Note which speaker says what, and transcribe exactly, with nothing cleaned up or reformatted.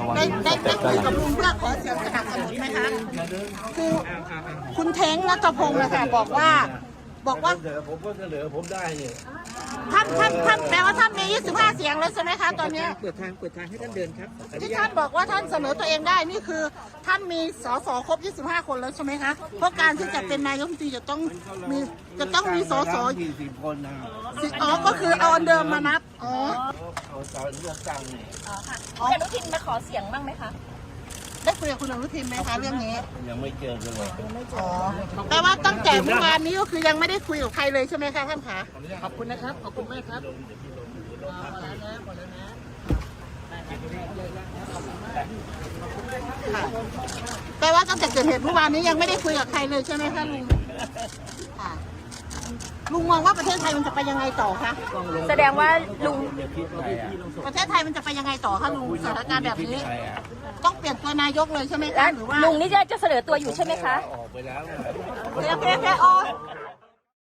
Speaker 1: ได้ได้ได้คุยกับลุงเพื่อขอเสียงสนับสนุนไหมคะคือคุณเท้งนัทพงศ์นะคะบอกว่าบอกว่า
Speaker 2: ผมก็เสนอผมได้เนี่ย
Speaker 1: ท่านท่านท่านแปลว่าท่านมียี่สิบห้าเสียงแล้วใช่ไหมคะตอนนี้
Speaker 3: เปิดทางเปิดทางให้ท่านเดินครับ
Speaker 1: ที่ท่านบอกว่าท่านเสนอตัวเองได้นี่คือท่านมีสสครบยี่สิบห้าคนแล้วใช่ไหมคะเพราะการที่จะเป็นนายกรัฐมนตรีจะต้องมีจะต้องมีสส
Speaker 2: ยี่สิบคนนะ
Speaker 1: สิอ๋อก็คือเอาอันเดิมมานับอ๋อ
Speaker 2: เอาตอนเลือกตั้งนี่
Speaker 4: อ๋อค่ะคุณอนุทินมาขอเสียงบ้างไหมคะ
Speaker 1: ได้คุยกับคุณอนุทินไหมคะเรื่องนี้
Speaker 2: ยังไม่เจอกันเลย
Speaker 1: อ๋อแปลว่าตั้งแต่เมื่อวานนี้ก็คือยังไม่ได้คุยกับใครเลยใช่ไหมคะท่านคะ
Speaker 3: ขอบคุณนะครับขอบคุณมากครับ
Speaker 1: แปลว่าตั้งแต่เกิดเหตุเมื่อวานนี้ยังไม่ได้คุยกับใครเลยใช่ไหมคะลุงค่ะลุงมองว่าประเทศไทยมันจะไปยังไงต่อคะ
Speaker 4: แสดงว่าลุง
Speaker 1: ประเทศไทยมันจะไปยังไงต่อคะลุงสถานการณ์แบบนี้ต้องเปลี่ยนตัวนายกเลยใช่ไหมคะหรือว่า
Speaker 4: ลุงนี่จะจะเสนอตัวอยู่ใช่ไหมคะ
Speaker 2: ออกไปแล้ว
Speaker 1: เพียเพียเพียโอ